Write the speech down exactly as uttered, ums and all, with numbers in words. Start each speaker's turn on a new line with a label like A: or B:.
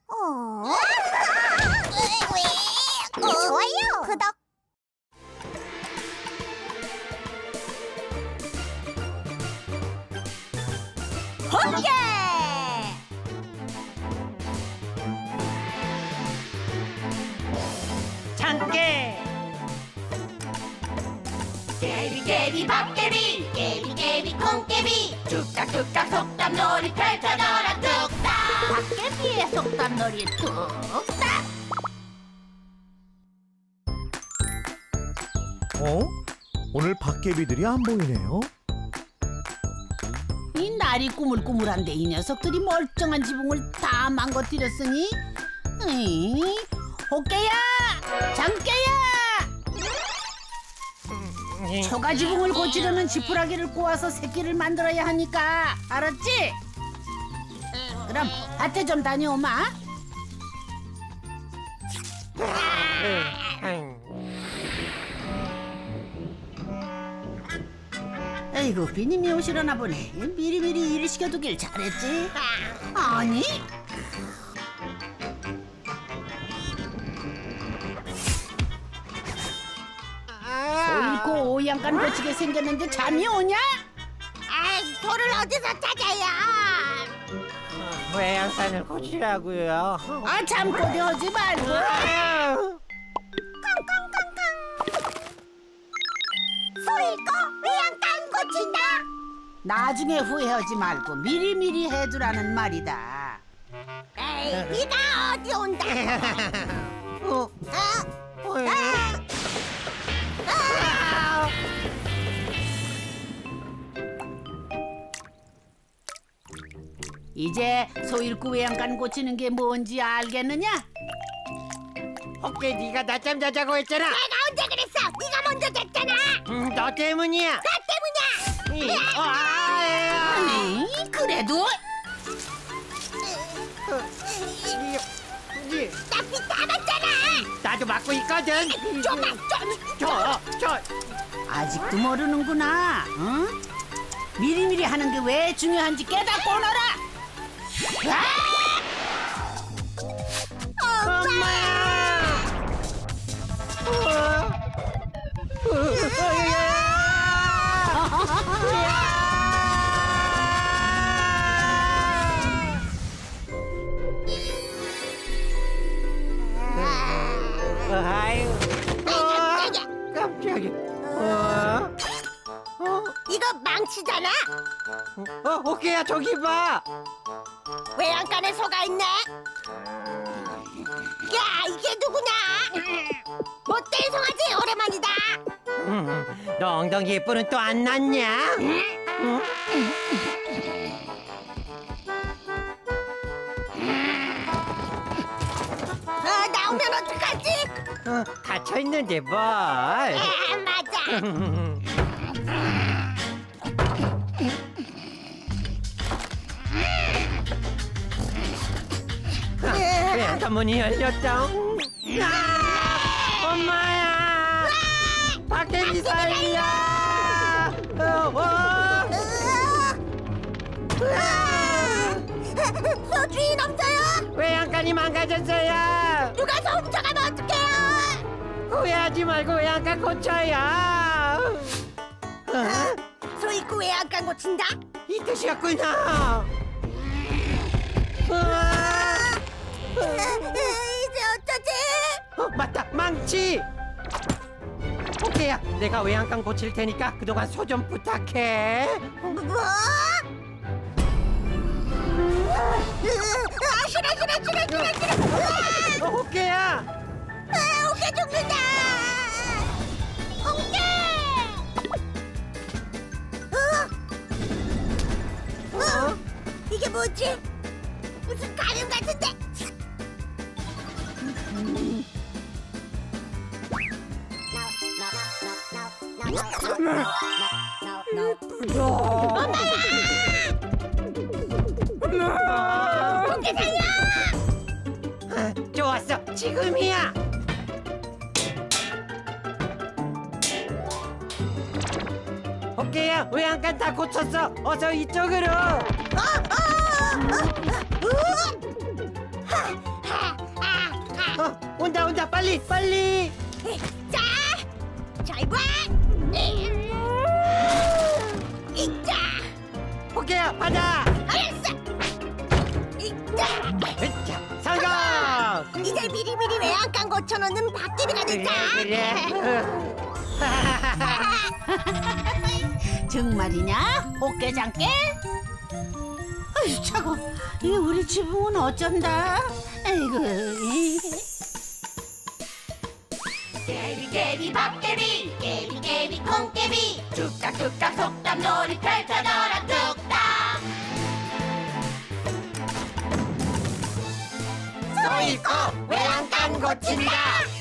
A: 어? 좋아요. 구독. 번개.
B: 장깨
C: 깨비 깨비 밥깨비 깨비 깨비 콩깨비 뚝딱뚝딱 속담놀이 펼쳐져라 뚝딱 밥깨비의 속담놀이 뚝딱.
D: 어? 오늘 박개비들이 안 보이네요.
E: 이 날이 꾸물꾸물한데 이 녀석들이 멀쩡한 지붕을 다 망가뜨렸으니 에이, 호깨야! 장깨야! 초가 지붕을 고치려면 지푸라기를 꼬아서 새끼를 만들어야 하니까 알았지? 그럼 밭에 좀 다녀오마. 아이고 비님이 오시려나 보네. 미리미리 일을 시켜두길 잘했지. 아니? 소일고 오양간 고치게 생겼는데 잠이 오냐?
A: 아이, 돌을 어디서 찾아요?
B: 외양간을 고치라고요.
E: 아 잠꼬대 하지 말고.
A: 소일거 외양간 고친다.
E: 나중에 후회하지 말고 미리미리 해두라는 말이다.
A: 에이, 비가 어디 온다.
B: 어,
A: 어? 아! 아!
E: 이제 소일구 외양간 고치는 게 뭔지 알겠느냐?
B: 어깨 네가 낮잠 자자고 했잖아.
A: 내가 언제 그랬어? 네가 먼저 됐잖아.
B: 음, 너 때문이야.
A: 나 때문이야.
B: 이, 어, 아,
E: 아니 그래도
B: 이, 이,
A: 나비 다 맞잖아.
B: 나도 맡고 있거든.
A: 좀 봐, 좀.
B: 저, 저,
E: 아직도 모르는구나. 응? 미리미리 하는 게 왜 중요한지 깨닫고 오너라.
B: 엄마야. 어, 어, 어, 아유, 어, 깜짝이야. 어, 어,
A: 이거 망치잖아.
B: 어, 오케이야 저기 봐.
A: 외양간에 소가 있네. 야, 이게 누구냐? 못된 송아지 오랜만이다.
B: 음, 너 엉덩이 예쁘는 또 안 났냐? 응?
A: 어, 나오면 어떡하지?
B: 어, 갇혀 있는데 뭘?
A: 아, 맞아.
B: 왜 아까 문이 열렸다? 아, 엄마야! 밖에 살려! 어, 어.
A: 소 주인 없어요?
B: 외양간이 망가졌어요.
A: 누가 소 훔쳐가면 어떡해요?
B: 후회하지 말고 외양간 고쳐요. 어?
A: 소 입고 외양간 고친다?
B: 이 뜻이었구나. 으아!
A: 이제 어쩌지?
B: 어, 맞다, 망치. 오케이야, 내가 외양간 고칠 테니까 그동안 소 좀 부탁해.
A: 뭐? 아, 싫어 싫어 싫어 싫어 싫어.
B: 어, 오케이야.
A: 아, 어깨 죽는다. 어깨. 어? 어? 이게 뭐지? 무슨 가름 같은데? 어깨 살려!
B: 아, 좋았어, 지금이야. 오케이야, 외양간 다 고쳤어. 어서 이쪽으로.
A: 어, 어, 어, 어, 어? 하,
B: 가자 빨리 빨리.
A: 자, 잘 봐. 이자,
B: 오케이야 가자.
A: 알았어. 이자.
B: 자, 성공.
A: 이제 미리미리 외양간 고쳐놓는 박개비가
B: 그래
A: 됐다.
B: 그래.
E: 정말이냐? 호깨장깨? 아유 차고 이 우리 지붕은 어쩐다. 아이고. 이.
C: 깨비 깨비 밥깨비 깨비 깨비 콩깨비 뚝딱뚝딱 속담놀이 펼쳐져라 뚝딱
B: 소 있고 외양간 고친다.